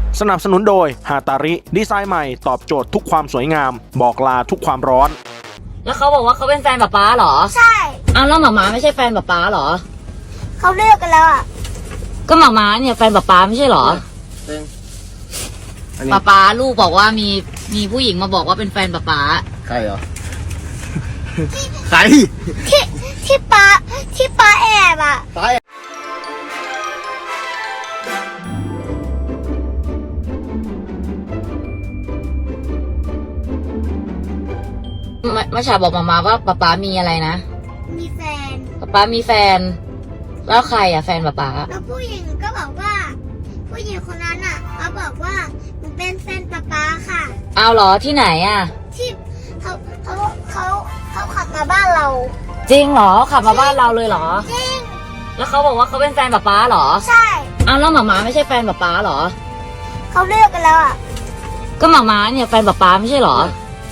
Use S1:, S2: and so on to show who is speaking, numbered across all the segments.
S1: สนับสนุนโดยฮาตาริดีไซน์ใหม่ตอบโจทย์ทุกความสวยงามบอกลาทุกความร้อน
S2: แล้วเขาบอกว่าเขาเป็นแฟนป๊าเหรอ
S3: ใช่
S2: อ้าวแล้วหมาไม่ใช่แฟนป๊าเหรอ
S3: เขาเลิกกันแล้วอ่ะ
S2: ก็หมาเนี่ยแฟนป๊าไม่ใช่เหรอป๊าลูกบอกว่ามีผู้หญิงมาบอกว่าเป็นแฟนป๊า
S4: ใครเหรอใคร
S3: ที่ป้าแอบอ่ะ
S2: มาชาบอกมาว่าป๊ามีอะไรนะ
S3: มีแฟน
S2: ป๊ามีแฟนแล้วใครอ่ะแฟนป๊า
S3: แล้วผู้หญิงก็บอกว่าผู้หญิงคนนั้นอ่ะเขาบอกว่าหนูเป็นแฟนป๊าค่ะ
S2: เอาเหรอที่ไหนอ่ะ
S3: ที่เขาขับมาบ้านเรา
S2: จริงเหรอขับมาบ้านเราเลยเหรอ
S3: จริง
S2: แล้วเขาบอกว่าเขาเป็นแฟนป๊าเหรอ
S3: ใช่
S2: อ้าวแล้วหมาไม่ใช่แฟนป๊าเหรอ
S3: เขาเลิกกันแล้วอ่ะ
S2: ก็หมาเนี่ยแฟนป๊าไม่ใช่เหรอ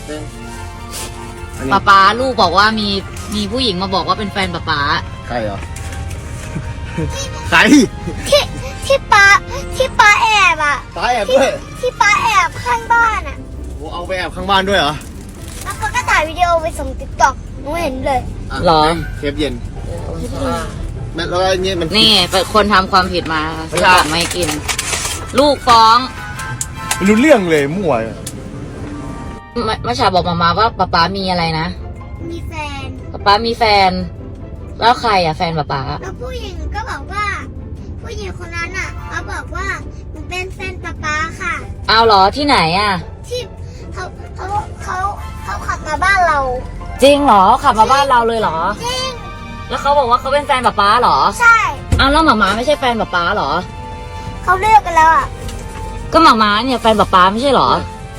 S2: ป๊าลูกบอกว่ามีผู้หญิงมาบอกว่าเป็นแฟนป๊า
S4: ใครเหรอใคร
S3: ที่ป้าแอบอ่ะ
S4: ป้าแอบด้วย
S3: ที่ป้าแอบข้างบ้านอ่ะ
S4: โอ้เอาไปแอบข้างบ้านด้วยเหรอ
S3: แล้วเขาก็ถ่ายวิดีโอไปส่งติ๊กต็อกหนูเห็นเลย
S2: หรอ
S4: เคปเย็นแล้วเนี่ยมัน
S2: นี่เป็นคนทำความผิดมาไม่กินลูกฟ้อง
S4: ไม่รู้เรื่องเลยมั่ว
S2: มาชาบอกมาว่าป๊ามีอะไรนะ
S3: มีแฟน
S2: ป๊ามีแฟนแล้วใครอ่ะแฟนป๊า
S3: แล้วผู้หญิงก็บอกว่าผู้หญิงคนนั้นอ่ะเขาบอกว่าหนูเป็นแฟนป๊าค่ะ
S2: เอาเหรอที่ไหนอ่ะ
S3: ที่เขาขับมาบ้านเรา
S2: จริงเหรอขับมาบ้านเราเลยเหรอ
S3: จริง
S2: แล้วเขาบอกว่าเขาเป็นแฟนป๊าเหรอ
S3: ใช่
S2: อ้าวแล้วหมาไม่ใช่แฟนป๊าเหรอ
S3: เขาเลิกกันแล้วอ่ะ
S2: ก็หมาเนี่ยแฟนป๊าไม่ใช่เหรอ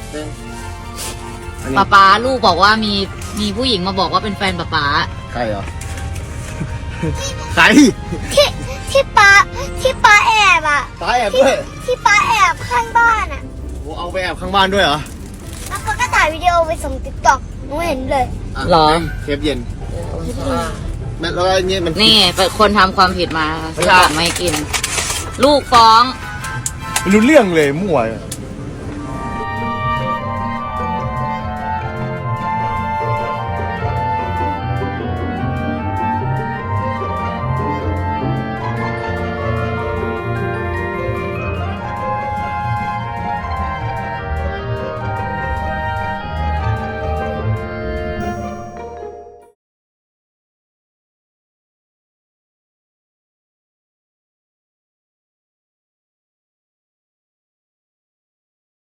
S2: ป๊าลูกบอกว่ามีผู้หญิงมาบอกว่าเป็นแฟนป๊า
S4: ใครเหรอใคร
S3: ที่ป้าแอบอ่ะ
S4: ป้าแอบด้วย
S3: ที่ป้าแอบข้างบ้านอ่ะ
S4: โอ้เอาไปแอบข้างบ้านด้วยเหรอ
S3: แล้วเขาก็ถ่ายวิดีโอไปส่งติ๊กต็อกหนูเห็นเลย
S2: หรอ
S4: เคปเย็นแล้วเนี่ยมัน
S2: นี่เป็นคนทำความผิดมาไม่กินลูกฟ้อง
S4: ไม่รู้เรื่องเลยมั่ว